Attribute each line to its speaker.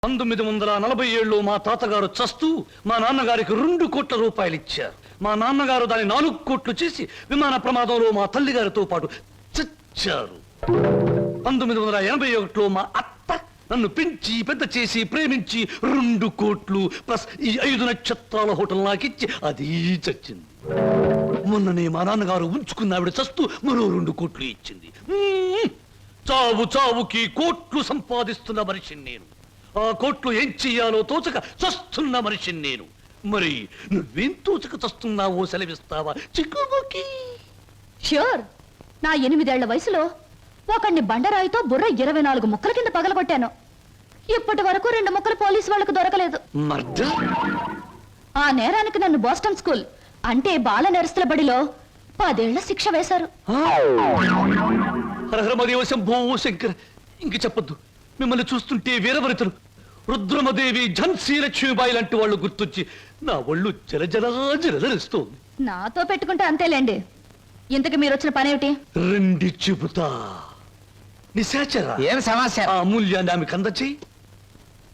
Speaker 1: 1947లో మా తాతగారు చస్తూ మా నాన్నగారికి 2 కోట్ల రూపాయలు ఇచ్చారు. మా నాన్నగారు దాన్ని 4 కోట్లు చేసి విమాన ప్రమాదంలో మా తల్లిగారితో పాటు చచ్చారు. 1981లో మా అత్త నన్ను పెంచి పెద్ద చేసి ప్రేమించి 2 కోట్లు ప్లస్ ఈ 5 నక్షత్రాల హోటల్ నాకిచ్చి అది చచ్చింది. మొన్ననే మా నాన్నగారు ఉంచుకున్న ఆవిడ చస్తూ మరో 2 కోట్లు ఇచ్చింది. చావు చావుకి కోట్లు సంపాదిస్తున్న మనిషిని నేను. ఆ కోట్లు ఏం చెయ్యాలో తోచక చస్తున్న మనిషిని నేను. మరి నువ్వేం తోచక చస్తున్నావో సెలవిస్తావా చిక్కుబుకి?
Speaker 2: ష్యూర్. నా 8 ఏళ్ల వయసులో ఒకడిని బండరాయితో బుర్ర 24 ముక్కల కింద పగలగొట్టాను. ఇప్పటి వరకు 2 ముక్కలు పోలీసు వాళ్ళకు దొరకలేదు. ఆ నేరానికి నన్ను బోస్టన్ స్కూల్ అంటే బాల నేరస్తుల బడిలో 10 ఏళ్ల శిక్ష వేశారు.
Speaker 1: హరహరమదేవ శంభో శంకర్. ఇంక చెప్పొద్దు. మిమ్మల్ని చూస్తుంటే వీరవరితలు రుద్రమదేవి ఝన్సీ లక్ష్మీబాయి లాంటి వాళ్ళు గుర్తొచ్చి నా ఒళ్ళు జలజలస్తోంది.
Speaker 2: నాతో పెట్టుకుంటే అంతేలేండి. ఇంతకు మీరు వచ్చిన పనేమిటి?
Speaker 1: రండి చెబుతా. నిశాచర
Speaker 3: ఏం సమస్య?
Speaker 1: ఆ అమూల్యాన్ని ఆమెకు అందచేయి.